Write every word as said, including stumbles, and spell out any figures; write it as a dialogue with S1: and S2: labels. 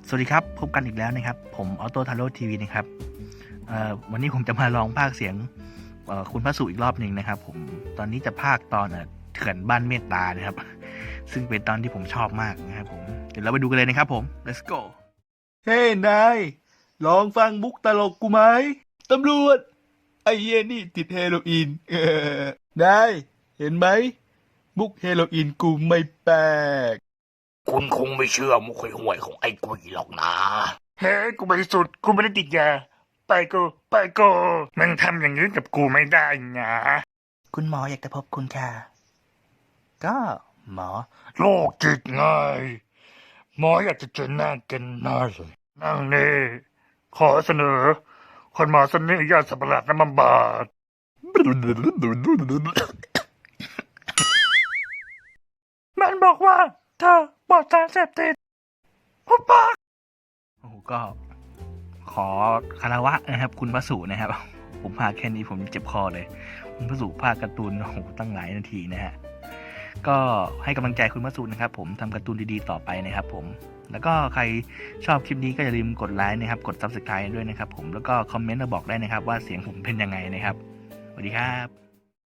S1: สวัสดีครับพบกันอีกแล้วนะครับผมออโต้ทาโร่ทีวีนะครับวันนี้ผมจะมาลองพากย์เสียงคุณพระสุอีกรอบหนึ่งนะครับผมตอนนี้จะพากย์ตอนเถื่อนบ้านเมตตานะครับซึ่งเป็นตอนที่ผมชอบมากนะครับผมเดี๋ยวเราไปดูกันเลยนะครับผม let's go เฮ้นายลองฟังมุกตลกกูไหมตำรวจไอ้เหี้ยนี่ติดเฮโรอีนเออนายเห็นไหมมุกเฮโรอีนกูไม่แปลก
S2: คุณคงไม่เชื่อมุกห่วยๆของไอ้กุยหรอกนะ
S3: เฮ้กูบริสุทธิ์กูไม่ได้ติดยาไปกูไปกูมึงทำอย่างนี้กับกูไม่ได้นะ
S1: คุณหมออยากจะพบคุณค่ะก็หมอ
S3: โรคจิตไงหมออยากจะเจอหน้ากันหน้าเลยนั่งนี่ขอเสนอ คนหมอเสนอยาสับประหลาดน้ำมันบาดมันบอกว่าเธอปลอดสารเสพติดหุบปาก
S1: โอ้โหก็ขอคารวะนะครับคุณพระสุนะครับผมพากแค่นี้ผมเจ็บคอเลยคุณพระสุพากการ์ตูนโอ้โหตั้งหลายนาทีนะฮะก็ให้กำลังใจคุณพระสุนะครับผมทำการ์ตูนดีๆต่อไปนะครับผมแล้วก็ใครชอบคลิปนี้ก็อย่าลืมกดไลค์นะครับกด ซับสไครบ์ ด้วยนะครับผมแล้วก็คอมเมนต์มาบอกได้นะครับว่าเสียงผมเป็นยังไงนะครับสวัสดีครับ